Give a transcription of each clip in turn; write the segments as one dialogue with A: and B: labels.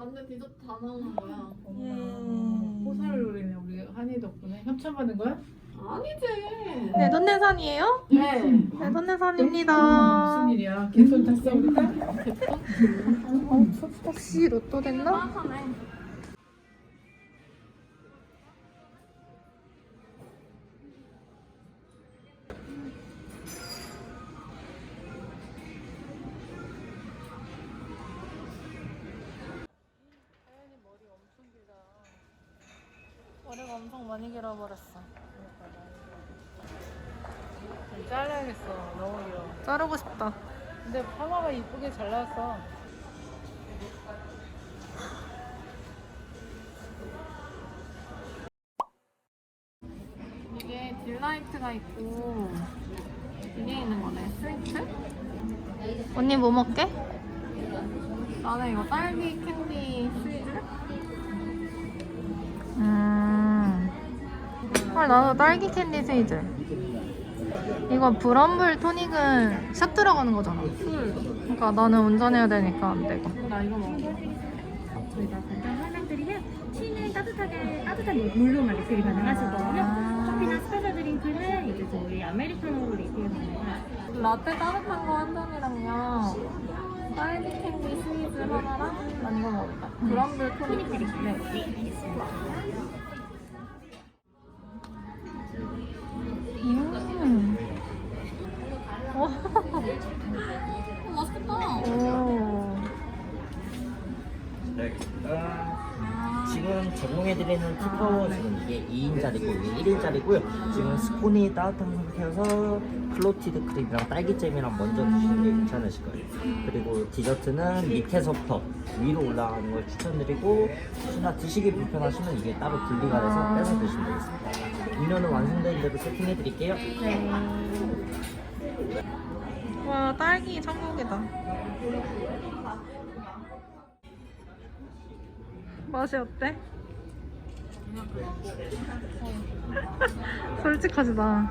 A: 완전 디저트 다 나오는 거야.
B: 호사를 노리네 우리 한이 덕분에. 협찬받은 거야?
A: 아니지.
C: 내돈내산이에요?
A: 네.
C: 내돈내산입니다.
B: 무슨 일이야? 개손 탔어 우리 딸?
C: 혹시 로또 됐나?
A: 하네.
C: 머리가 엄청 많이 길어버렸어.
B: 잘라야겠어. 너무 길어.
C: 자르고 싶다.
B: 근데 파마가 이쁘게 잘 나왔어.
A: 이게 딜라이트가 있고 이게 있는 거네. 스위트?
C: 언니 뭐 먹게?
A: 나는 이거 딸기 캔디 스위트.
C: 나도 딸기 캔디 스위즈. 이거 브럼블 토닉은 샷 들어가는 거잖아. 그러니까 나는 운전해야 되니까 안 되고.
A: 나 이거 먹어.
D: 저희가 간단 설명드리면 티는 따뜻한 물로만 리필이 가능하시거든요. 커피나 스페셜 드링크는 이제 저희 아메리카노로 리필 가능하세요.
A: 라떼 따뜻한 거 한 잔이랑요. 딸기 캔디 스위즈 하나랑 난 이거 먹을까? 브럼블 토닉 드릴게요. 네. 맛있겠다.
C: 오.
E: 네, 알겠습니다. 지금 제공해드리는 티파워 지금 이게 2인짜리고 이게 1인짜리고요. 지금 스콘이 따뜻한 상태여서 클로티드 크림이랑 딸기잼이랑 먼저 드시는 게 괜찮으실 거예요. 그리고 디저트는 밑에서부터 위로 올라가는 걸 추천드리고 혹시나 드시기 불편하시면 이게 따로 분리가 돼서 빼서 드시면 되겠습니다. 음료는 완성된 대로 세팅해드릴게요.
C: 와, 딸기 천국이다. 맛이 어때? 솔직하시다.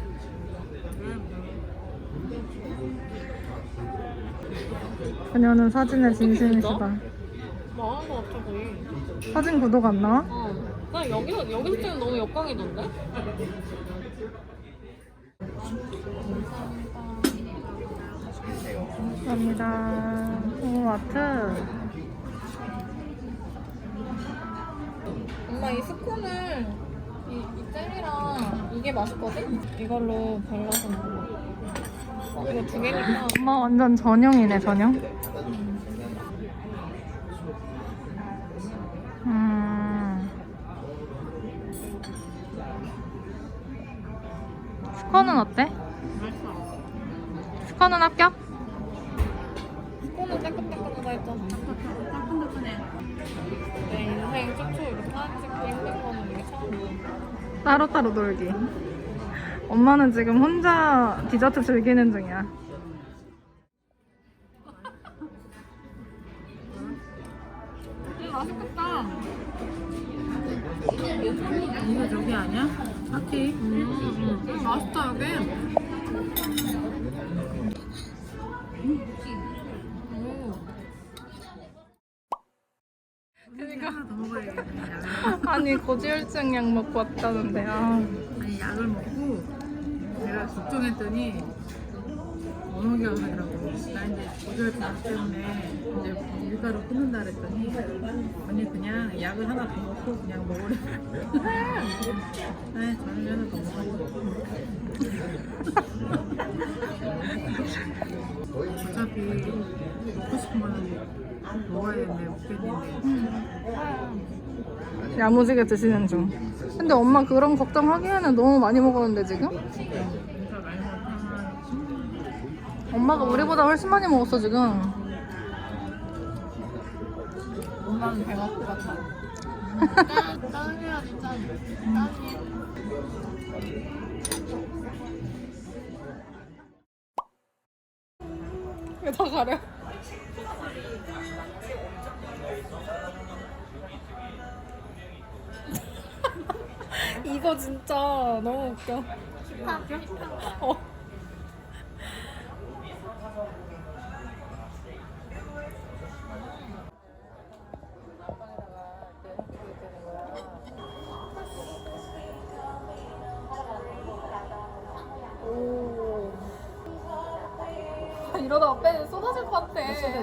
C: 그녀는 사진에 진심이시다.
A: 망한 거 같아 거의.
C: 사진 구독 안 나와?
A: 나 여기서 찍으면 너무 역광이던데?
C: 감사합니다. 오, 아트.
A: 엄마 이 스콘을 이 젤이랑 이게 맛있거든? 이걸로 발라서 먹어. 이거 두 개니까.
C: 엄마 완전 전용이네, 전용. 스콘은 어때? 스콘은 합격?
A: 스콘은 따끈따끈하다 했잖아. 내 인생 최초 이렇게 사진 찍고 힘든 거는 이게 처음이야.
C: 따로따로 놀기. 엄마는 지금 혼자 디저트 즐기는 중이야.
A: 맛있겠다.
B: 이거 저기 아니야? 파티?
A: 맛있다 여기.
B: 그러니까 하나 더 먹어야겠네.
C: 아니, 고지혈증 약 먹고 왔다는데. 아.
B: 아니 약을 먹고 내가 걱정했더니 원호기 하더라고. 나 이제 고혈압 때문에 이제 밀가루 끊는다 그랬더니 언니 그냥 약을 하나 더 먹고 그냥 먹으래. 네, 저녁에 하나 더 먹어. 어차피 먹고 싶은 거는 먹어야 되는데 먹겠는데.
C: 야무지게 드시는 중. 근데 엄마 그런 걱정하기에는 너무 많이 먹었는데 지금? 엄마가 우리보다 훨씬 많이 먹었어 지금.
A: 엄마는 배가 고팠다. 짠해야지 짠. 짠이. 왜 다 가려? 이거 진짜 너무 웃겨. 어. 이러다 앞에 쏟아질 것 같아.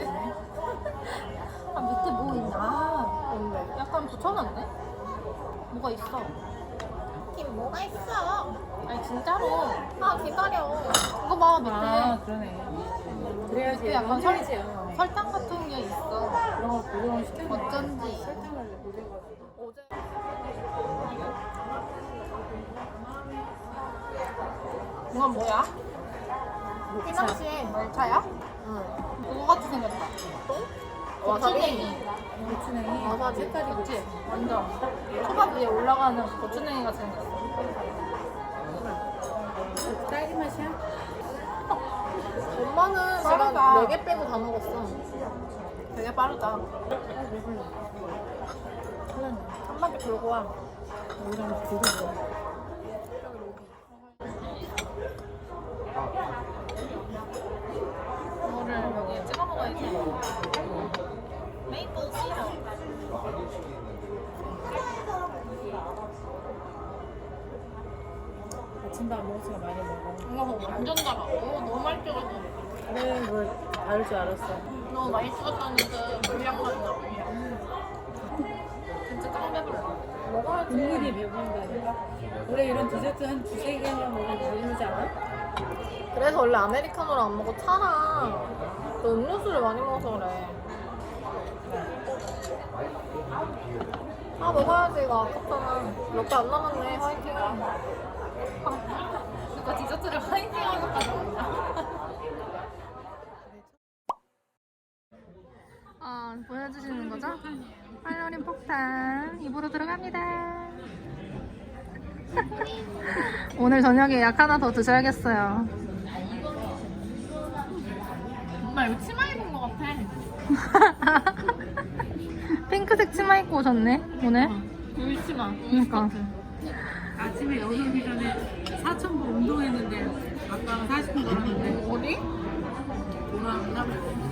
C: 아 밑에 뭐 있나? 뭔데? 약간 붙여놨네? 뭐가 있어?
A: 김 뭐가 있어?
C: 아니 진짜로.
A: 아 기다려.
C: 이거 봐 밑에.
B: 그러네. 그래야지.
C: 밑에 약간
B: 설이지.
C: 설탕 같은 게 있어.
B: 그런 거 고정을 시켜.
C: 어쩐지.
B: 설탕을 고정을.
C: 어제 이건 뭐야? 피망시에 말차야? 응. 그거 같이 생겼다. 고추냉이.
B: 고추냉이.
C: 와사비.
B: 색깔이
C: 그치? 완전. 초밥 위에 올라가는 고추냉이 같이 생겼어.
B: 딸기 맛이야?
C: 엄마는
A: 빠르다.
C: 지금 4개 빼고 다 먹었어. 되게 빠르다. 한 바퀴 돌고 와.
B: 여기랑 두고
C: 이거를 여기에 찍어 먹어야지. 메이플 시럽.
B: 아침밥 먹었으니까 많이 먹어.
C: 이거 뭐 완전 달아. 너무 많이 찍어서.
B: 그래, 뭐 다를 줄 알았어.
C: 너무 많이 찍었었는데 물량 맞나 물량. 진짜 짱 배불러. 먹어야지.
B: 국물이 배부른다니까. 원래 이런 디저트 한 두세 개만 먹으면 배부르지 않아?
C: 그래서 원래 아메리카노를 안 먹고 차랑 또 음료수를 많이 먹어서 그래. 아 먹어야지. 이거 아깝잖아. 몇 개 안 남았네. 화이팅. 그러니까 디저트를 화이팅 하는 것까지 먹나? 보여주시는 거죠? 칼로리 폭탄 입으로 들어갑니다. 오늘 저녁에 약 하나 더 드셔야겠어요.
A: 엄마 이거 치마 입은 것 같아.
C: 핑크색 치마 입고 오셨네 오늘.
A: 울치마.
C: 그러니까
B: 아침에 여기 오기 전에 4,000보 운동했는데 아빠가 40분 걸었는데
A: 어디?
B: 돌아왔나?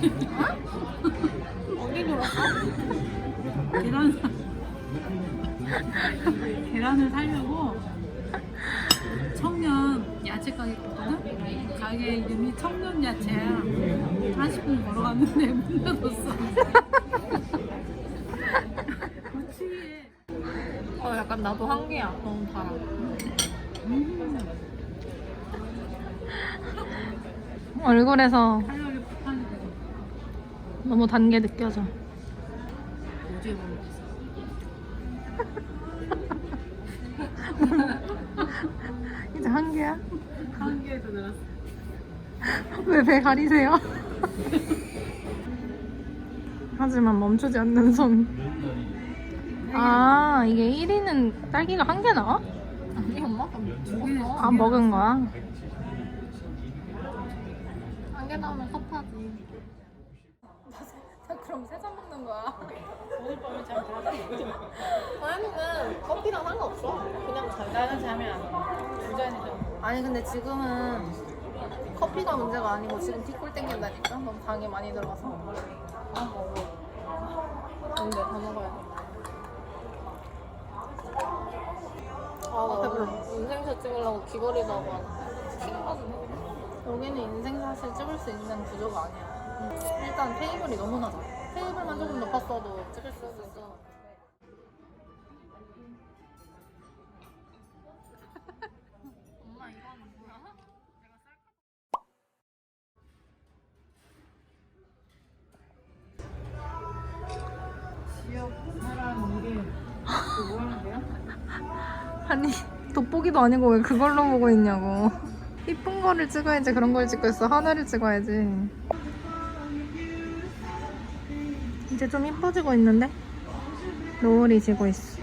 A: 어디 놀았어?
B: 계란을 사려고 청년 야채 가게 갔거든? 가게 이름이 청년 야채야. 40분 걸어갔는데 문 닫았어. 그치.
A: 약간 나도 한계야. 너무 달아.
C: 얼굴에서
B: 칼로리 폭탄이 되고
C: 너무 단 게 느껴져.
B: 어제 먹었어.
C: 이제 한 개야?
B: 한 개에서 늘었어.
C: 왜 배 가리세요? 하지만 멈추지 않는 손. 아 이게 1위는 딸기가 한 개 나와?
A: 아니 엄마?
C: 아 먹은 거야?
A: 한 개 나오면 섭하지. 그럼 세 잔 먹는 거야.
B: 오늘 밤에 잠 자.
C: 아니는 커피랑 상관없어. 그냥 잘.
B: 나는 잠이 안 와. 두 잔이잖아.
C: 아니 근데 지금은 커피가 문제가 아니고 지금 티꿀 땡긴다니까. 너무 당이 많이 들어가서. 아 먹어. 근데 다 먹어야 돼. 아 배불러. 인생샷 찍으려고 귀걸이도 하고 하나. 킹거든. 여기는 인생샷을 찍을 수 있는 구조가 아니야. 일단 테이블이 너무 낮아. 테이블만 조금 높았어도 찍을 수 있어.
A: 엄마 이거는 뭐야?
B: 지역 사람 일이 뭐 하는데요?
C: 아니 돋보기도 아니고 왜 그걸로 보고 있냐고. 이쁜 거를 찍어야지. 그런 걸 찍고 있어. 하늘을 찍어야지. 이제 좀 이뻐지고 있는데? 노을이 지고 있어.